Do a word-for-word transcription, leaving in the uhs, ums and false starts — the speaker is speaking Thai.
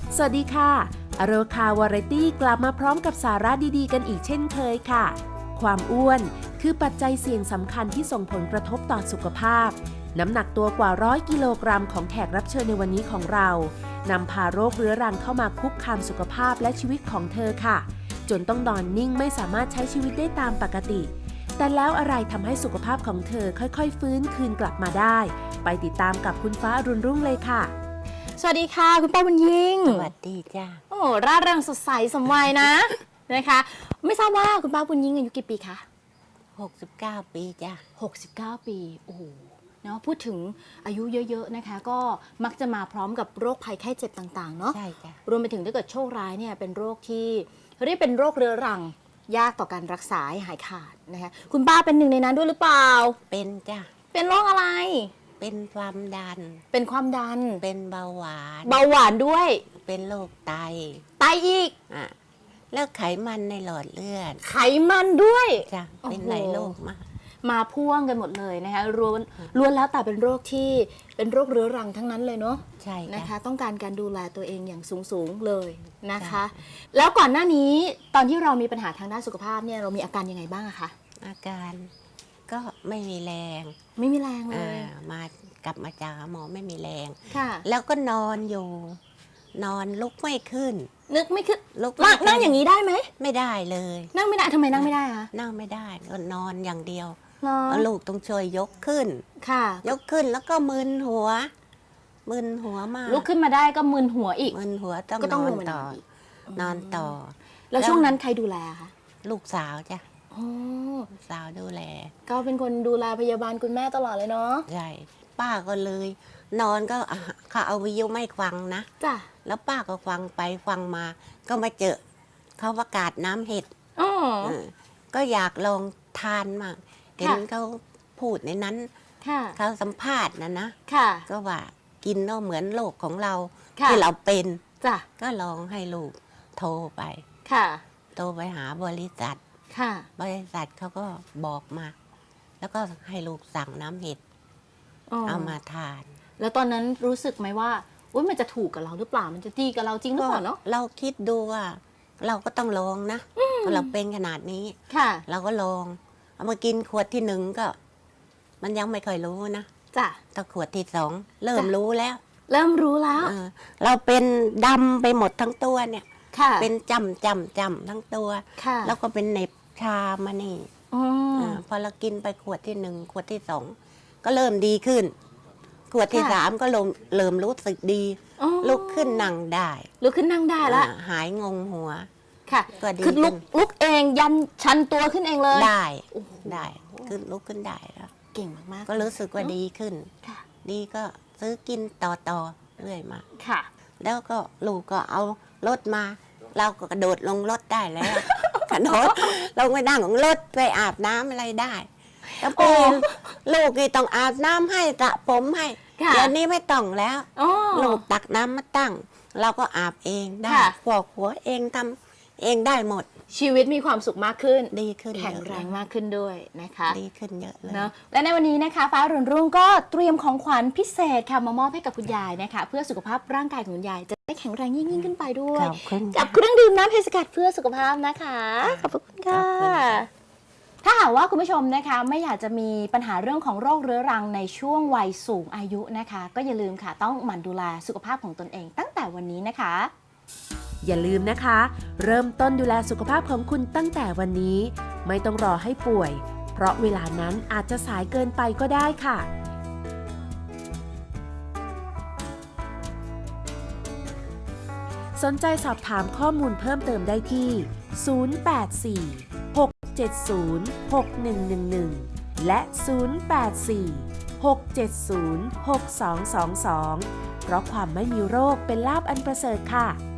สวัสดีค่ะอโรคาวาไรตี้กลับมาพร้อมกับสาระดีๆกันอีกเช่นเคยค่ะความอ้วนคือปัจจัยเสี่ยงสำคัญที่ส่งผลกระทบต่อสุขภาพน้ำหนักตัวกว่าร้อยกิโลกรัมของแขกรับเชิญในวันนี้ของเรานำพาโรคเรื้อรังเข้ามาคุกคามสุขภาพและชีวิตของเธอค่ะจนต้องนอนนิ่งไม่สามารถใช้ชีวิตได้ตามปกติแต่แล้วอะไรทำให้สุขภาพของเธอค่อยๆฟื้นคืนกลับมาได้ไปติดตามกับคุณฟ้าอรุณรุ่งเลยค่ะสวัสดีค่ะคุณป้าบุญยิ่งสวัสดีจ้าโอ้ร่าเริงสดใสสมวัยนะ นะคะไม่ทราบว่าคุณป้าบุญยิ่งอายุกี่ปีคะหกสิบเก้าปีจ้าหกสิบเก้าปีโอ้โหเนาะพูดถึงอายุเยอะๆนะคะก็มักจะมาพร้อมกับโรคภัยไข้เจ็บต่างๆเนาะใช่จ้ารวมไปถึงถ้าเกิดโชคร้ายเนี่ยเป็นโรคที่เรียกเป็นโรคเรื้อรังยากต่อการรักษาให้หายขาดนะคะคุณป้าเป็นหนึ่งในนั้นด้วยหรือเปล่าเป็นจ้าเป็นโรคอะไรเป็นความดันเป็นความดันเป็นเบาหวานเบาหวานด้วยเป็นโรคไตไตอีกอ่ะแล้วไขมันในหลอดเลือดไขมันด้วยจ้ะเป็นหลายโรคมากมาพ่วงกันหมดเลยนะคะล้วนล้วนแล้วแต่เป็นโรคที่เป็นโรคเรื้อรังทั้งนั้นเลยเนาะใช่นะคะต้องการการดูแลตัวเองอย่างสูงสูงเลยนะคะแล้วก่อนหน้านี้ตอนที่เรามีปัญหาทางด้านสุขภาพเนี่ยเรามีอาการยังไงบ้างอะคะอาการก็ไม่มีแรงไม่มีแรงเลยมากลับมาจากหมอไม่มีแรงค่ะแล้วก็นอนอยู่นอนลุกไม่ขึ้นนึกไม่ขึ้นลุกนั่งอย่างนี้ได้ไหมไม่ได้เลยนั่งไม่ได้ทำไมนั่งไม่ได้คะนั่งไม่ได้ก็นอนอย่างเดียวลูกต้องช่วยยกขึ้นค่ะยกขึ้นแล้วก็มึนหัวมึนหัวมากลุกขึ้นมาได้ก็มึนหัวอีกมึนหัวต้องนอนต่อนอนต่อแล้วช่วงนั้นใครดูแลคะลูกสาวจ้ะลูกสาวดูแลก็เป็นคนดูแลพยาบาลคุณแม่ตลอดเลยเนาะใช่ป้าก็เลยนอนก็เขาเอาวิทยุไม่ฟังนะจ้ะแล้วป้าก็ฟังไปฟังมาก็มาเจอเขาประกาศน้ำเห็ดก็อยากลองทานมากเห็นเขาพูดในนั้นเขาสัมภาษณ์นะนะก็ว่ากินแล้วเหมือนโรคของเราที่เราเป็นก็ลองให้ลูกโทรไปโทรไปหาบริษัทบริษัทเขาก็บอกมาแล้วก็ให้ลูกสั่งน้ำเห็ดเอามาทานแล้วตอนนั้นรู้สึกไหมว่าอุ๊ยมันจะถูกกับเราหรือเปล่ามันจะดีกับเราจริงหรือเปล่าเนาะเราคิดดูว่าเราก็ต้องลองนะเราเป็นขนาดนี้เราก็ลองเอามากินขวดที่หนึ่งก็มันยังไม่ค่อยรู้นะจ้ะแต่ขวดที่สองเริ่มรู้แล้วเริ่มรู้แล้วเราเป็นดำไปหมดทั้งตัวเนี่ยเป็นจำจำจำทั้งตัวแล้วก็เป็นเหน็บชามานี่พอเรากินไปขวดที่หนึ่งขวดที่สองก็เริ่มดีขึ้นขวดที่สามก็เริ่มเริ่มรู้สึกดีลุกขึ้นนั่งได้ลุกขึ้นนั่งได้แล้วหายงงหัวค่ะคือลุกลุกเองยันชันตัวขึ้นเองเลยได้ได้ขึ้นลุกขึ้นได้แล้วเก่งมากก็รู้สึกว่าดีขึ้นดีก็ซื้อกินต่อต่อเรื่อยมาค่ะแล้วก็ลูกก็เอารถมาเราก็กระโดดลงรถได้แล้วกระโดดลงไปนั่งของรถไปอาบน้ำอะไรได้แล้วพอลูกนี่ต้องอาบน้ำให้สระผมให้เดี๋ยวนี้ไม่ต้องแล้วลูกตักน้ำมาตั้งเราก็อาบเองได้ฟอกหัวเองทำเองได้หมดชีวิตมีความสุขมากขึ้นดีขึ้นแข็งแรงมากขึ้นด้วยนะคะดีขึ้นเยอะเลยเนาะและในวันนี้นะคะฟ้ารุ่งรุ่งก็เตรียมของขวัญพิเศษค่ะมามอบให้กับคุณยายนะคะเพื่อสุขภาพร่างกายของคุณยายจะได้แข็งแรงยิ่งยิ่งขึ้นไปด้วยกับเครื่องดื่มน้ำเพชรสกัดเพื่อสุขภาพนะคะขอบคุณค่ะถ้าหากว่าคุณผู้ชมนะคะไม่อยากจะมีปัญหาเรื่องของโรคเรื้อรังในช่วงวัยสูงอายุนะคะก็อย่าลืมค่ะต้องหมั่นดูแลสุขภาพของตนเองตั้งแต่วันนี้นะคะอย่าลืมนะคะเริ่มต้นดูแลสุขภาพของคุณตั้งแต่วันนี้ไม่ต้องรอให้ป่วยเพราะเวลานั้นอาจจะสายเกินไปก็ได้ค่ะสนใจสอบถามข้อมูลเพิ่มเติมได้ที่ศูนย์ แปด สี่ หก เจ็ด ศูนย์ หก หนึ่ง หนึ่ง หนึ่งและศูนย์ แปด สี่ หก เจ็ด ศูนย์ หก สอง สอง สองเพราะความไม่มีโรคเป็นลาภอันประเสริฐค่ะ